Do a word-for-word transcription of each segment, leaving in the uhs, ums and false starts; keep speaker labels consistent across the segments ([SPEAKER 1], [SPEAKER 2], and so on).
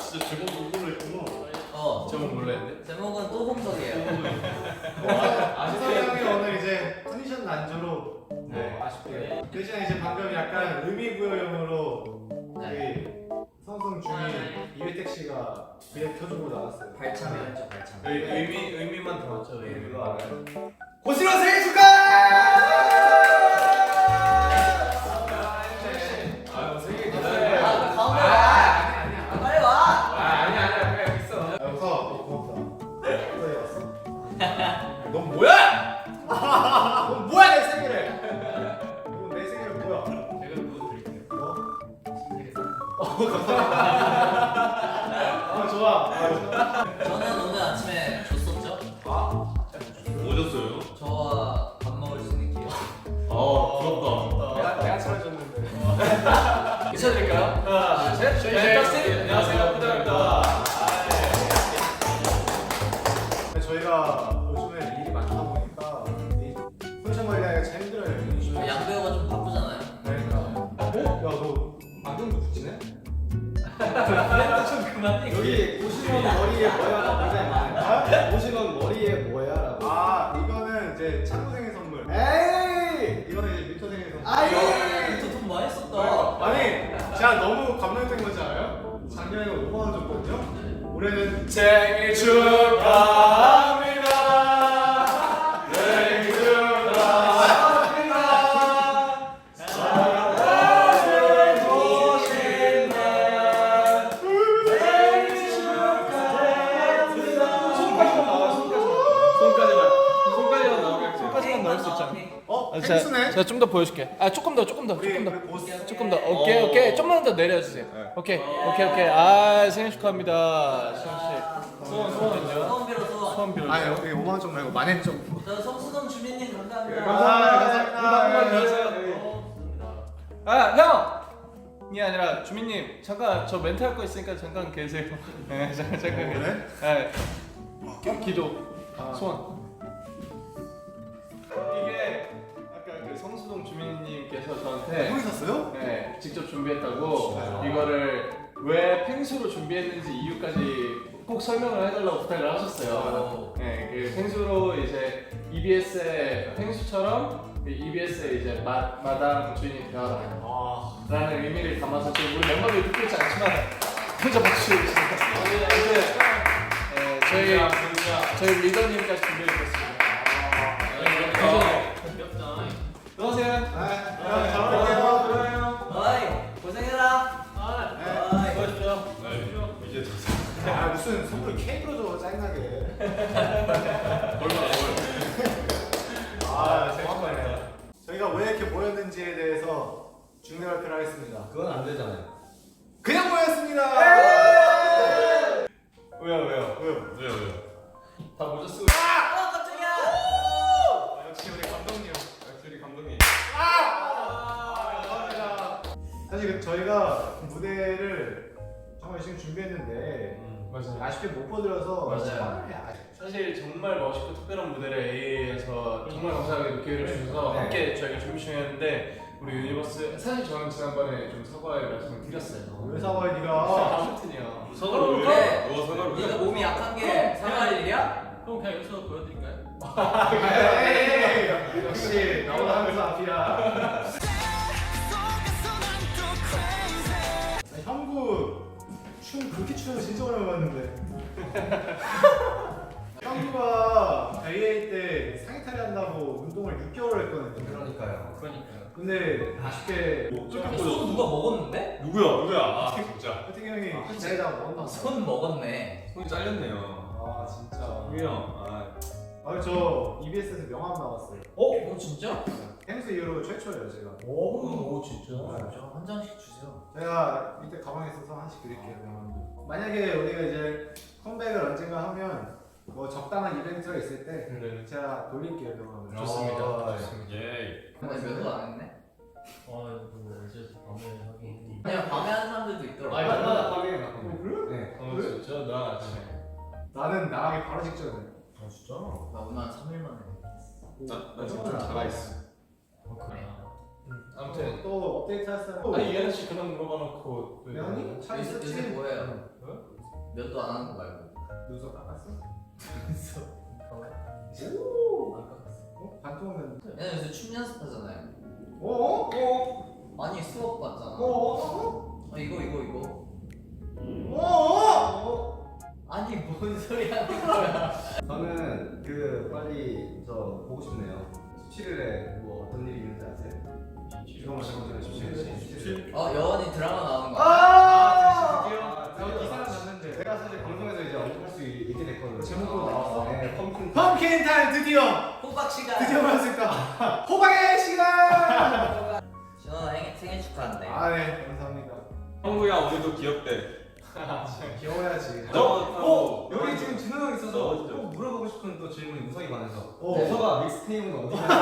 [SPEAKER 1] 진짜 제목 공부를 했구나.
[SPEAKER 2] 어.
[SPEAKER 1] 제목 몰랐는데?
[SPEAKER 2] 제목은 또 홍석이에요.
[SPEAKER 3] 아시성이 형이 오늘 이제 컨디션 난조로
[SPEAKER 1] 네.
[SPEAKER 3] 아쉽게 대신에 이제 방금 약간 의미부여용으로
[SPEAKER 2] 네.
[SPEAKER 3] 우리 성성 중이 이회택 씨가 비에 켜주고 나왔어요.
[SPEAKER 2] 발참이었죠, 발참.
[SPEAKER 1] 의, 의미, 의미만 들었죠. 의미가 알아요.
[SPEAKER 3] 고시로 생일 축하!
[SPEAKER 1] 아유 생일
[SPEAKER 2] 아, 나 가운데
[SPEAKER 1] 아,
[SPEAKER 2] 와.
[SPEAKER 1] 아니야 아니야.
[SPEAKER 2] 아, 빨리 와.
[SPEAKER 1] 아 아니야 아니야 그냥 여기 있어.
[SPEAKER 3] 여기서 너 고맙다. 어디 갔어?
[SPEAKER 1] 넌 뭐야? 넌 뭐야 내 생일에?
[SPEAKER 3] 이거 내 생일 뭐야?
[SPEAKER 1] 제가 뭐 드릴게요.
[SPEAKER 3] 어? 아 좋아. 아, 좋아.
[SPEAKER 2] 저는 오늘 아침에 줬었죠?
[SPEAKER 3] 아,
[SPEAKER 1] 뭐 줬어요?
[SPEAKER 2] 저와 밥 먹을 수 있는 기회.
[SPEAKER 1] 아 부럽다.
[SPEAKER 3] 내가 내가 차려줬는데.
[SPEAKER 1] 인사드릴까요? 하나 둘 셋.
[SPEAKER 3] 네,
[SPEAKER 1] 네, 안녕하세요 부탁드립니다.
[SPEAKER 3] 근데 저희가 요즘에 일이 많다 보니까 이 컨디션 관리하기가 참 힘들어요.
[SPEAKER 2] 양배우가 좀 바쁘잖아요.
[SPEAKER 3] 그러니까. 어? 야 너 안경도 붙이네?
[SPEAKER 2] 좀 그만해.
[SPEAKER 4] 여기 오십원 머리에 뭐야가 굉장히 많아요. 오십원 머리에 뭐야라고.
[SPEAKER 3] 아 이거는 이제 창구생의 선물.
[SPEAKER 4] 에이!
[SPEAKER 3] 이거는 이제 뮤토생의 선물.
[SPEAKER 4] 아이!
[SPEAKER 2] 돈 많이 썼다.
[SPEAKER 3] 아니 제가 너무 감동된 건지 알아요? 작년에 오만 원 줬거든요. 올해는
[SPEAKER 1] 생일 축하합니다. 생일 축하합니다. 사랑하는 오신 날 생일 축하합니다. 손까지만 나와 손까지만. 손까지만 나오게
[SPEAKER 5] 손까지만 넣을 수 있잖아.
[SPEAKER 3] 어?
[SPEAKER 5] 아,
[SPEAKER 3] 펭수네?
[SPEAKER 5] 제가 좀 더 보여줄게. 아 조금 더, 조금 더,
[SPEAKER 3] 우리
[SPEAKER 5] 조금 더,
[SPEAKER 3] 우리 보스.
[SPEAKER 5] 조금 더. 오케이, 오케이. 좀만 더 내려주세요. 오케이, 오케이, 오케이. 아 생일 축하합니다, 수영 씨. 소원, 소원은요?
[SPEAKER 2] 소원 빌어, 소원.
[SPEAKER 5] 소원 빌어.
[SPEAKER 3] 아니 여기 오만 원 좀 말고 만 원 좀.
[SPEAKER 2] 저 성수동 주민님 감사합니다.
[SPEAKER 3] 감사합니다. 감사합니다.
[SPEAKER 5] 아 형! 이 아니라 주민님 잠깐 저 멘트 할 거 있으니까 잠깐 계세요. 네, 잠깐 잠깐.
[SPEAKER 3] 그래?
[SPEAKER 5] 네. 기- 기도,
[SPEAKER 3] 아.
[SPEAKER 5] 소원. 이게 아까 그 성수동 주민님께서 저한테
[SPEAKER 3] 형이 샀어요?
[SPEAKER 5] 네, 직접 준비했다고
[SPEAKER 3] 진짜요?
[SPEAKER 5] 이거를 왜 펭수로 준비했는지 이유까지 꼭 설명을 해달라고 부탁을 하셨어요. 네, 그 펭수로 이제 이비에스의 펭수처럼 그 이비에스의 이제 마, 마당 주인이 되어라
[SPEAKER 3] 아.
[SPEAKER 5] 라는 의미를 담아서 지금 우리 멤버들이 듣고 있지 않지만 혼자 박수 주시니다 네, 저희 저희 리더님까지 준비해주셨습니다. 안녕하세요.
[SPEAKER 3] 아, 잘 어울려요.
[SPEAKER 2] 어이, 고생해라. 어이.
[SPEAKER 3] 아 무슨 선물 케이크로 줘 짜증나게. 아 정말. 저희가 왜 이렇게 모였는지에 대해서 중대 발표를 하겠습니다.
[SPEAKER 4] 그건 안 되잖아요.
[SPEAKER 3] 그냥 모였습니다.
[SPEAKER 5] 왜요 왜요?
[SPEAKER 3] 왜요?
[SPEAKER 1] 왜요 왜요?
[SPEAKER 5] 다 모자 쓰고.
[SPEAKER 2] 아, 깜짝이야.
[SPEAKER 3] 아, 역시 우리 감독님.
[SPEAKER 1] 역시 감독님.
[SPEAKER 3] 아, 감사합니다. 사실 그 저희가 무대를 정말 열심히 준비했는데
[SPEAKER 5] 맞아요.
[SPEAKER 3] 아쉽게 못 보여드려서
[SPEAKER 5] 맞아요.
[SPEAKER 3] 정말 아쉽-
[SPEAKER 5] 사실 정말 멋있고 특별한 무대를 에이에이에서 정말 감사하게 기회를 주셔서
[SPEAKER 3] 네.
[SPEAKER 5] 함께 저희가 준비 중이었는데 우리 유니버스 사실 저는 지난번에 좀 사과의 말씀을 드렸어요.
[SPEAKER 3] 왜 사과해 네가?
[SPEAKER 5] 아무튼요.
[SPEAKER 1] 사과를
[SPEAKER 2] 그래.
[SPEAKER 1] 왜? 너 사과를 왜?
[SPEAKER 2] 네가 몸이 약한 게 사과할 일이야?
[SPEAKER 5] 그럼 그냥 여기서 보여드릴까요?
[SPEAKER 3] 에이, 역시 나보다 항상 앞이야. 아니, 형구 춤 그렇게 추는 거 진짜 오랜만에 봤는데. 형구가 에이에이 때 상의탈이 한다고 운동을 육 개월 했거든요.
[SPEAKER 4] 그러니까요.
[SPEAKER 2] 그러니까요.
[SPEAKER 3] 근데 아쉽게
[SPEAKER 1] 어떻게
[SPEAKER 2] 손 누가 먹었는데?
[SPEAKER 1] 누구야 누구야? 아 진짜.
[SPEAKER 3] 태경 형이 자기다가 먹었나 봐.
[SPEAKER 2] 손 먹었네.
[SPEAKER 1] 손이 잘렸네요.
[SPEAKER 3] 아 진짜.
[SPEAKER 1] 우리 형. 아.
[SPEAKER 3] 아 저 이비에스에서 명함 나왔어요.
[SPEAKER 2] 어? 어 진짜?
[SPEAKER 3] 펭수 이후로 최초예요 제가.
[SPEAKER 2] 오, 오 진짜. 저 한 장씩 주세요.
[SPEAKER 3] 제가 밑에 가방에 있어서 하나씩 드릴게요 명함도. 만약에 우리가 이제 컴백을 언젠가 하면 뭐 적당한 이벤트가 있을 때
[SPEAKER 5] 네.
[SPEAKER 3] 제가 돌릴게요 명함을.
[SPEAKER 5] 좋습니다.
[SPEAKER 1] 아,
[SPEAKER 5] 좋습니다.
[SPEAKER 1] 예.
[SPEAKER 2] 근데 몇도 안 했네?
[SPEAKER 6] 아, 뭐 어제 밤에 하긴.
[SPEAKER 2] 그냥 밤에 하는 사람들도 있더라고.
[SPEAKER 5] 아, 이거 나
[SPEAKER 4] 하게
[SPEAKER 3] 어, 그래?
[SPEAKER 4] 네.
[SPEAKER 5] 어, 진짜 나 아침에.
[SPEAKER 3] 나는 나가기 바로 직전에.
[SPEAKER 4] 아 진짜?
[SPEAKER 2] 나 오늘 한 삼 일 만에.
[SPEAKER 1] 나나 지금 좀 자가 있어.
[SPEAKER 2] 그래.
[SPEAKER 5] 아무튼
[SPEAKER 3] 또 업데이트 할 사람.
[SPEAKER 5] 아니 예나 씨 그런 물어봐놓고 왜
[SPEAKER 3] 명이? 차
[SPEAKER 2] 요새,
[SPEAKER 3] 있었지?
[SPEAKER 2] 요새 뭐예요?
[SPEAKER 5] 어?
[SPEAKER 2] 면도 안 하는 거 말고.
[SPEAKER 3] 눈썹 깎았어?
[SPEAKER 2] 그래서
[SPEAKER 3] 오!
[SPEAKER 2] 안 깎았어.
[SPEAKER 3] 어? 반통은
[SPEAKER 2] 얘는 요새 춤 연습하잖아요.
[SPEAKER 3] 어? 어?
[SPEAKER 2] 아니 수업 받잖아.
[SPEAKER 3] 어? 어?
[SPEAKER 2] 아, 이거 이거 이거.
[SPEAKER 3] 어? 어?
[SPEAKER 2] 아니 뭔 소리 하는 거야?
[SPEAKER 4] 저는 그 빨리 저 보고 싶네요. 십칠 일에 뭐 어떤 일이 있는지 아세요?
[SPEAKER 3] 잠깐만 잠깐만 십칠.
[SPEAKER 2] 어 여원이 드라마 나오는 거.
[SPEAKER 3] 아! 드디어
[SPEAKER 4] 아,
[SPEAKER 3] 저 기사는 봤는데
[SPEAKER 4] 제가 사실 방송에서 이제 언급할 수 있게 됐거든요.
[SPEAKER 3] 제목으로 나왔어?
[SPEAKER 4] 네, 펌킨.
[SPEAKER 3] 펌킨 타임 드디어!
[SPEAKER 2] 호박 시간.
[SPEAKER 3] 드디어 왔을까? 호박의 시간!
[SPEAKER 2] 진원아 생일, 생일 축하한대.
[SPEAKER 3] 아 네 감사합니다.
[SPEAKER 1] 형구야 오늘도 귀엽대.
[SPEAKER 3] 귀여워야지.
[SPEAKER 1] 저,
[SPEAKER 4] 어, 여기 지금 진호 형 있어서
[SPEAKER 1] 어, 진짜.
[SPEAKER 4] 꼭 물어보고 싶은 또 질문이 우석이 많아서.
[SPEAKER 3] 어.
[SPEAKER 4] 우석아 믹스테이프는 어디 갔냐?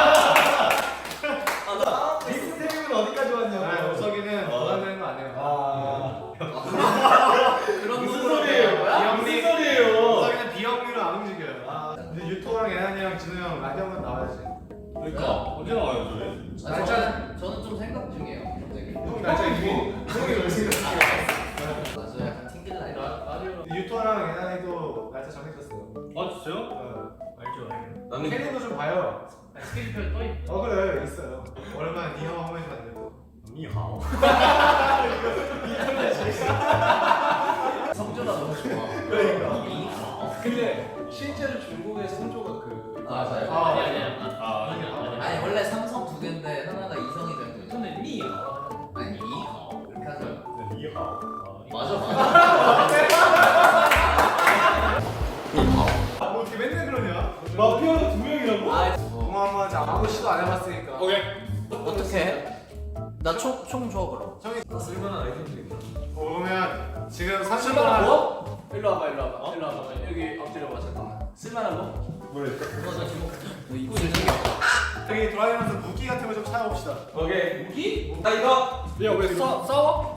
[SPEAKER 4] 믹스테이프는 어디까지 왔냐고.
[SPEAKER 3] 아 우석이는 원하는 거 안 해요.
[SPEAKER 4] 아.
[SPEAKER 2] 그런
[SPEAKER 1] 무슨
[SPEAKER 2] 거야?
[SPEAKER 1] 소리예요? 무슨 소리예요?
[SPEAKER 3] 우석이는 비영리로 안 움직여요. 아, 근데 유토랑 예난이랑 진우 형 라디오는 나와야지.
[SPEAKER 1] 그러니까 언제 나와요 저희?
[SPEAKER 2] 아, 저는 저는 좀 생각 중이에요. 갑자기.
[SPEAKER 3] 형 날짜 이기. 형이 왜 생각해?
[SPEAKER 2] 맞아 약간 튕길라 이거.
[SPEAKER 3] 유토랑 예난이도 날짜 정해졌어요.
[SPEAKER 1] 아 진짜요?
[SPEAKER 3] 어.
[SPEAKER 6] 알죠 알죠.
[SPEAKER 1] 나는
[SPEAKER 3] 캐릭터 좀 봐요.
[SPEAKER 6] 스케줄표 떠 있.
[SPEAKER 3] 어 그래 있어요. 오랜만에 니하오 한 번씩 봤는데 또.
[SPEAKER 1] 니하오.
[SPEAKER 2] 성조가 너무 좋아.
[SPEAKER 3] 그러니까.
[SPEAKER 5] 근데 실제로 중국의 성조가 그
[SPEAKER 2] 맞아요.
[SPEAKER 3] 아,
[SPEAKER 6] 아니 아니 아니.
[SPEAKER 1] 아
[SPEAKER 6] 아니 아니.
[SPEAKER 2] 아니 원래 삼성 두 개인데 하나가 이성이 된 거죠.
[SPEAKER 6] 근데 니.
[SPEAKER 2] 아니 이하오 이렇게 하죠.
[SPEAKER 1] 니하오.
[SPEAKER 2] 맞아 맞아.
[SPEAKER 3] 뭐 어떻게 맨날 그러냐?
[SPEAKER 1] 마피아가 두 명이라고?
[SPEAKER 2] 아
[SPEAKER 3] 동화 한번 하자. 아무 시도 안 해봤으니까.
[SPEAKER 1] 오케이.
[SPEAKER 2] 어떻게 해? 나총총 줘 그럼.
[SPEAKER 3] 형이
[SPEAKER 1] 쓸만한 아이템들 있나?
[SPEAKER 3] 보면 지금 삼십
[SPEAKER 5] 쓸만한
[SPEAKER 3] 동안
[SPEAKER 5] 거? 일로 와봐 일로 와봐 일로 와봐 여기 엎드려봐 잠깐만 쓸만한 거?
[SPEAKER 1] 뭐랬어?
[SPEAKER 2] 맞아 지금 뭐 입고 있는
[SPEAKER 3] 저기 돌아다니면서 무기 같은 거 좀 찾아봅시다.
[SPEAKER 1] 오케이. 무기? 나 이거.
[SPEAKER 5] 야왜 싸워?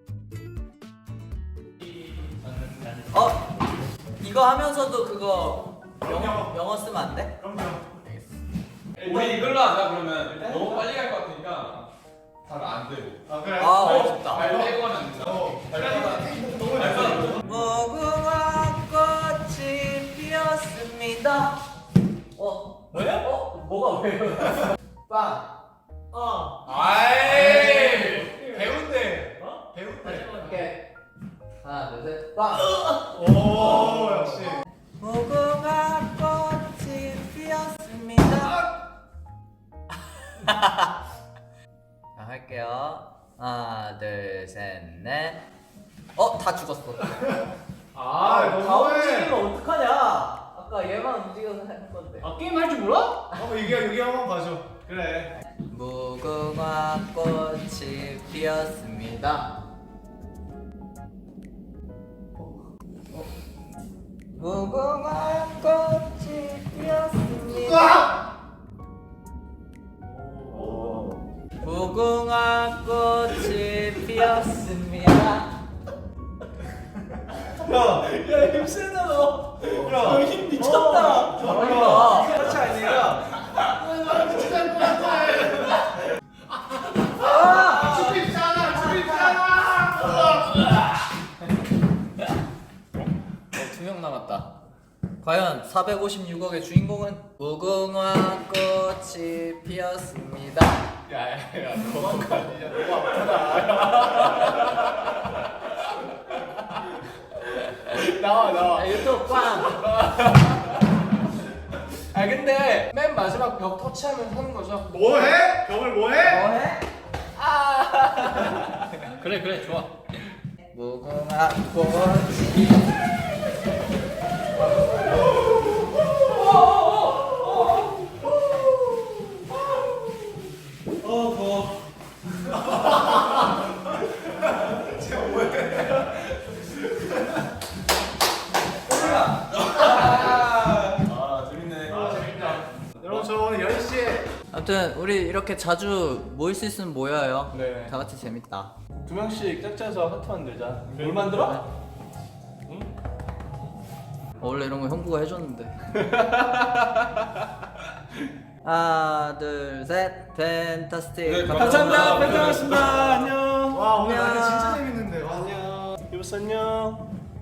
[SPEAKER 2] 어 이거 하면서도 그거 영어
[SPEAKER 3] 영어.
[SPEAKER 2] 영어 쓰면 안 돼?
[SPEAKER 3] 그럼요.
[SPEAKER 1] 우리 이걸로 하자 그러면. 너무 빨리 갈 것 같으니까 잘 안 되고.
[SPEAKER 3] 아 그래.
[SPEAKER 2] 아 어렵다.
[SPEAKER 1] 발 떼고 하면 안 된다.
[SPEAKER 3] 어.
[SPEAKER 1] 발 떼고 하면
[SPEAKER 3] 너무
[SPEAKER 1] 발
[SPEAKER 3] 잘했어.
[SPEAKER 1] 떼고.
[SPEAKER 2] 무궁화 꽃이 피었습니다. 어? 왜? 어? 뭐가 왜요? 빵. 어.
[SPEAKER 3] 아이 배운데. 어? 배운데.
[SPEAKER 2] 오케이. 하나 둘 셋. 빵.
[SPEAKER 3] 오 역시.
[SPEAKER 2] 무궁화 꽃이 피었습니다. 자 할게요. 하나 둘 셋 넷. 어? 다 죽었어.
[SPEAKER 3] 아
[SPEAKER 2] 다
[SPEAKER 3] 너무해.
[SPEAKER 2] 움직이면 어떡하냐? 아까 얘만 움직여서 할 건데.
[SPEAKER 5] 아 게임 할 줄 몰라?
[SPEAKER 3] 한번 여기 여기 한번 봐줘. 그래.
[SPEAKER 2] 무궁화 꽃이 피었습니다. 무궁화 꽃이 피었습니다. 무궁화 꽃이 피었습니다.
[SPEAKER 5] 야 힘세다 너. 야힘 미쳤다.
[SPEAKER 2] 잘한다.
[SPEAKER 5] 그렇지 아니라.
[SPEAKER 2] 두 명 남았다. 과연 사백오십육억의 주인공은 무궁화 꽃이 피었습니다.
[SPEAKER 5] 야야야 너 아니야 너무 아프다. 나와 나와.
[SPEAKER 2] 아, 유튜브 빵.
[SPEAKER 5] 아 근데 맨 마지막 벽 터치하면 하는 거죠?
[SPEAKER 3] 뭐해? 벽을 뭐해?
[SPEAKER 2] 뭐해?
[SPEAKER 6] 그래 그래 좋아.
[SPEAKER 2] 무궁화 꽃이
[SPEAKER 1] 어 더워. 아 재밌네.
[SPEAKER 3] 아 재밌다. 여러분 저 오늘 열 시에
[SPEAKER 2] 아무튼 우리 이렇게 자주 모일 수 있으면 모여요.
[SPEAKER 5] 네.
[SPEAKER 2] 다 같이 재밌다.
[SPEAKER 5] 두 명씩 짝짜서 하트 만들자. 뭘 만들어?
[SPEAKER 2] 어, 원래 이런 거 형부가 해줬는데. 하나 둘 셋 팬타스틱.
[SPEAKER 1] 네,
[SPEAKER 5] 감사합니다.
[SPEAKER 1] 감사합니다.
[SPEAKER 5] 팬들었습니다. 안녕.
[SPEAKER 3] 와 오늘
[SPEAKER 2] 안녕.
[SPEAKER 3] 나는 진짜 재밌는데. 와.
[SPEAKER 5] 안녕. 이보스 안녕.